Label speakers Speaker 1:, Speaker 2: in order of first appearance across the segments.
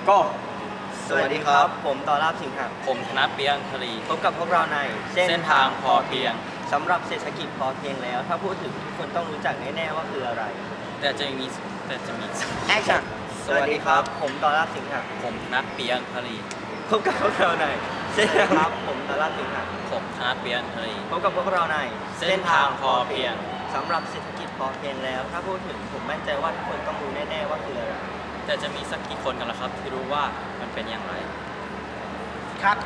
Speaker 1: ก็
Speaker 2: สวัสดีครับผมต่อราบสิงห์
Speaker 3: ผมธนเปียงทรี
Speaker 2: พบกับพวกเราใน
Speaker 3: เส้นทางพอเพียง
Speaker 2: สำหรับเศรษฐกิจพอเพียงแล้วถ้าพูดถึงทุกคนต้องรู้จักแน่ๆว่าคืออะไร
Speaker 3: แต่จะมี
Speaker 2: แอคชั่นสวัสดีครับผมต่อราบสิงห์
Speaker 3: ผมธนเปียงทรี
Speaker 2: พบกับพวกเราในเส้นทางครับผมต่อราบสิงห์
Speaker 3: ผมธนเปียงทรี
Speaker 2: พบกับพวกเราใน
Speaker 3: เส้นทางพอเพียง
Speaker 2: สำหรับเศรษฐกิจพอเพียงแล้วถ้าพูดถึงผมมั่นใจว่าทุกคนต้องรู้แน่ๆว่าคืออะไร
Speaker 3: แต่จะมีสักกี่คนกันล่ะครับที่รู้ว่ามันเป็นอย่างไร
Speaker 2: ครับ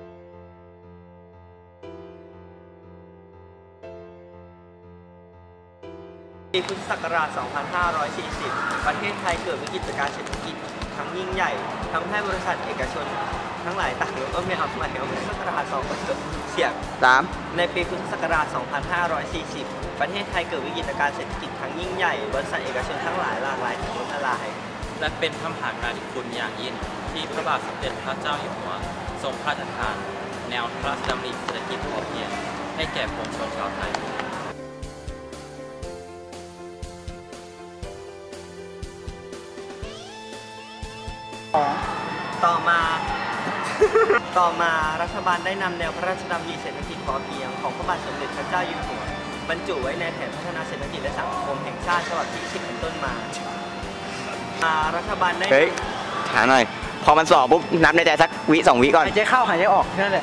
Speaker 2: ปีพุทธศักราช 2540 ประเทศไทยเกิดวิกฤตการณ์เศรษฐกิจครั้งยิ่งใหญ่ทำให้บริษัทเอกชนทั้งหลายต่างยกต้นไม่เอาใหม่เอาพุทธศักราช2เสียง3ในปีพุทธศักราช 2540 ประเทศไทยเกิดวิกฤตการณ์เศรษฐกิจครั้งยิ่งใหญ่บริษัทเอกชนทั้งหลายหลากหลายล้มละลาย
Speaker 3: และเป็นพระมหากรุณาธิคุณอย่างยิ่งที่พระบาทสมเด็จพระเจ้าอยู่หัวทรงพระราชทานแนวพระราชดำริเศรษฐกิจพอเพียงให้แก่ปวงชนชาวไทย
Speaker 2: ต่อมารัฐบาลได้นำแนวพระราชดำริเศรษฐกิจพอเพียงของพระบาทสมเด็จพระเจ้าอยู่หัวบรรจุไว้ในแผนพัฒนาเศรษฐกิจและสังคมแห่งชาติฉบับที่10เป็นต้นมารัฐบาลได้
Speaker 1: ถามหน่อยพอมันสอบปุ๊บนับในใจสักวิ2 วิก่อน
Speaker 2: หายใจเข้าหายใจออกแค่นั้นแหละ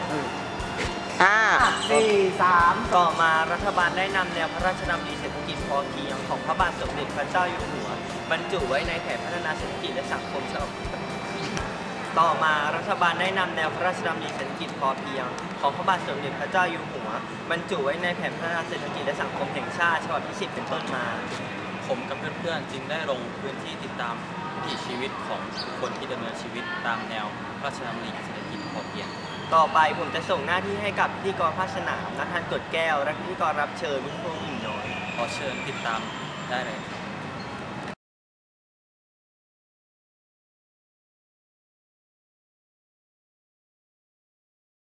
Speaker 2: 5 4 3ต่อมารัฐบาลได้นำแนวพระราชดำริเศรษฐกิจพอเพียงของพระบาทสมเด็จพระเจ้าอยู่หัวบรรจุไว้ในแผนพัฒนาเศรษฐกิจและสังคมฉบับต่อมารัฐบาลได้นำแนวพระราชดำริเศรษฐกิจพอเพียงของพระบาทสมเด็จพระเจ้าอยู่หัวบรรจุไว้ในแผนพัฒนาเศรษฐกิจและสังคมแห่งชาติฉบับที่10เป็นต้นมา
Speaker 3: ผมกับเพื่อนๆจึงได้ลงพื้นที่ติดตามวิถีชีวิตของคนที่ดำเนินชีวิตตามแนวพระราชดำริเศรษฐกิจพอเพียง
Speaker 2: ต่อไปผมจะส่งหน้าที่ให้กับพิธีกรภาคสนามนักทานกดแก้วและพิธีกรรับเชิญมุ้งพวงหญิงน้อย
Speaker 3: ขอเชิญติดตามได้เลย